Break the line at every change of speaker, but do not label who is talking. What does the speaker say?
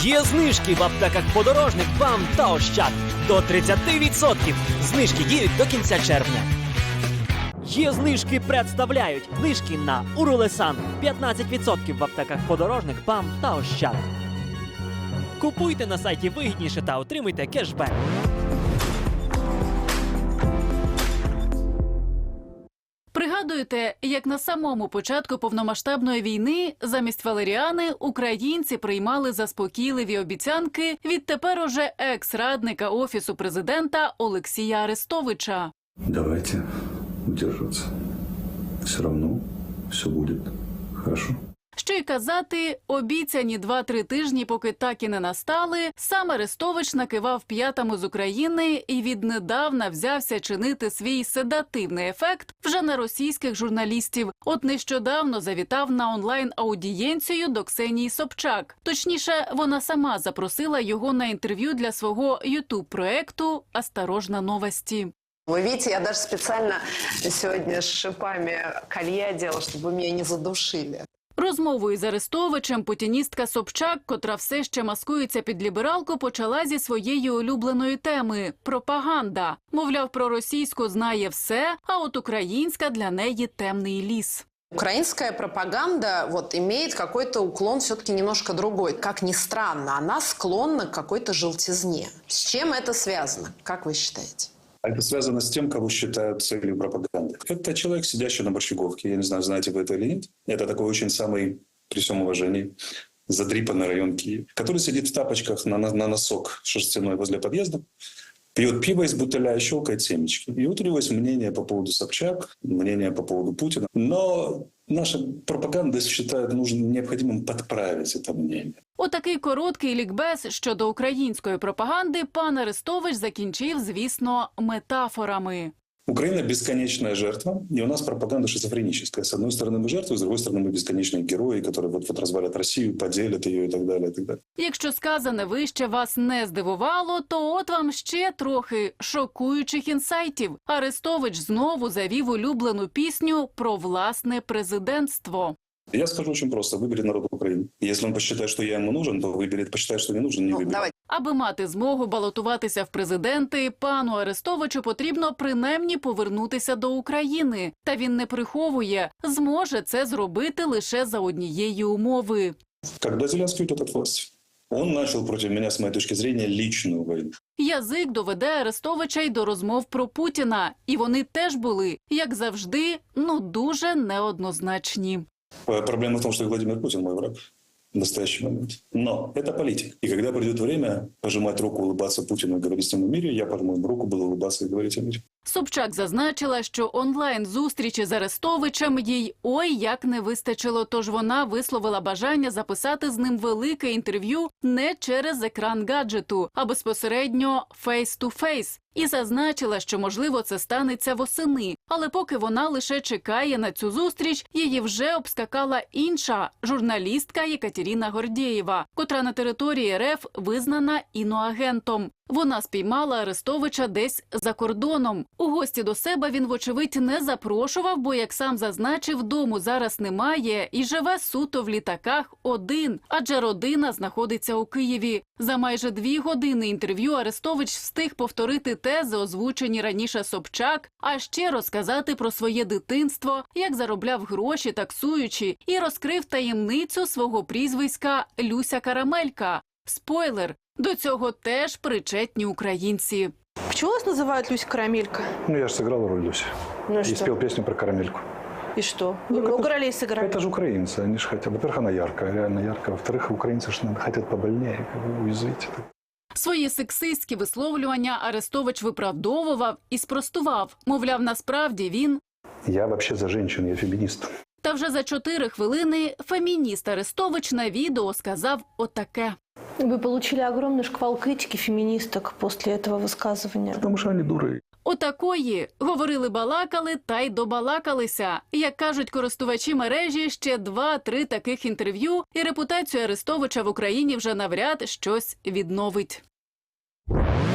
Є знижки в аптеках «Подорожник», «БАМ» та «Ощад». До 30%. Знижки діють до кінця червня. Є знижки представляють. Знижки на Урулесан. 15% в аптеках «Подорожник», «БАМ» та «Ощад». Купуйте на сайті вигідніше та отримуйте кешбек.
Пригадуєте, як на самому початку повномасштабної війни замість валеріани українці приймали заспокійливі обіцянки від тепер уже екс-радника Офісу президента Олексія Арестовича.
Давайте удерживаться. Все равно все будет хорошо.
Що й казати, обіцяні 2-3 тижні, поки так і не настали, сам Арестович накивав п'ятами з України і віднедавна взявся чинити свій седативний ефект вже на російських журналістів. От нещодавно завітав на онлайн-аудієнцію до Ксенії Собчак. Точніше, вона сама запросила його на інтерв'ю для свого ютуб-проекту «Осторожно, новости».
Вы видите, я даже специально сегодня с шипами колье одела, чтобы меня не задушили.
Розмову із Арестовичем путіністка Собчак, котра все ще маскується під лібералку, почала зі своєї улюбленої теми – пропаганда. Мовляв, про російську знає все, а от українська для неї темний ліс.
Украинская пропаганда имеет какой-то уклон все-таки немножко другой. Как ни странно, она склонна к какой-то желтизне. С чем это связано, как вы считаете?
Это связано с тем, кого считают целью пропаганды. Это человек, сидящий на Борщеговке. Я не знаю, знаете вы это или нет. Это такой очень самый, при всем уважении, задрипанный район Киева, который сидит в тапочках на носок шерстяной возле подъезда, пьет пиво из бутыля и щелкает семечки. И вот у него есть мнение по поводу Собчак, мнение по поводу Путина. Но наша пропаганда считает необходимым подправить это мнение.
Отакий короткий лікбез щодо української пропаганди пан Арестович закінчив, звісно, метафорами.
Украина – бесконечная жертва, и у нас пропаганда шизофреническая. С одной стороны мы жертвы, с другой стороны мы бесконечные герои, которые вот развалят Россию, поделят ее и так далее, и так далее.
Якщо сказане вище вас не здивувало, то от вам ще трохи шокуючих інсайтів. Арестович знову завів улюблену пісню про власне президентство.
Я скажу очень просто. Выберет народ Украины. Если он посчитает, что я ему нужен, то выберет. Посчитает, что не нужен, не выберет.
Аби мати змогу балотуватися в президенти, пану Арестовичу потрібно принаймні повернутися до України. Та він не приховує, зможе це зробити лише за однієї умови.
Когда Зеленский уйдет от власти? Он начал против меня, с моей точки зрения, личную войну.
Язик доведе Арестовича й до розмов про Путіна. І вони теж були, як завжди, дуже неоднозначні.
Проблема в том, что Владимир Путин мой враг в настоящий момент. Но это политик. И когда придет время пожимать руку, улыбаться Путину и говорить с ним о мире, я пожму ему руку, буду улыбаться и говорить о мире.
Собчак зазначила, що онлайн-зустрічі з Арестовичем їй ой як не вистачило, тож вона висловила бажання записати з ним велике інтерв'ю не через екран гаджету, а безпосередньо фейс-ту-фейс. І зазначила, що, можливо, це станеться восени. Але поки вона лише чекає на цю зустріч, її вже обскакала інша журналістка Єкатерина Гордєєва, котра на території РФ визнана іноагентом. Вона спіймала Арестовича десь за кордоном. У гості до себе він, вочевидь, не запрошував, бо, як сам зазначив, дому зараз немає і живе суто в літаках один, адже родина знаходиться у Києві. За майже 2 години інтерв'ю Арестович встиг повторити тези, озвучені раніше Собчак, а ще розказати про своє дитинство, як заробляв гроші таксуючи, і розкрив таємницю свого прізвиська Люся Карамелька. Спойлер! До цього теж причетні українці.
Почему вас называют Люся Карамелька?
Я же сыграл роль Люси.
Ну
и
что?
спел песню про карамельку.
И что?
Ну,
Вы
это
много ролей сыграли?
Это же украинцы, они же хотят. Во-первых, она яркая, реально яркая. Во-вторых, украинцы же хотят побольнее, уязвить.
Свої сексистські висловлювання Арестович виправдовував і спростував. Мовляв, насправді він...
Я вообще за женщин, я феминист.
Та вже за 4 хвилини фемініст Арестович на відео сказав отаке.
Вы получили огромный шквал критики феминисток после этого высказывания.
Потому что они дуры.
Отакої. Говорили-балакали та й добалакалися. Як кажуть користувачі мережі, ще 2-3 таких інтерв'ю, і репутацію Арестовича в Україні вже навряд щось відновить.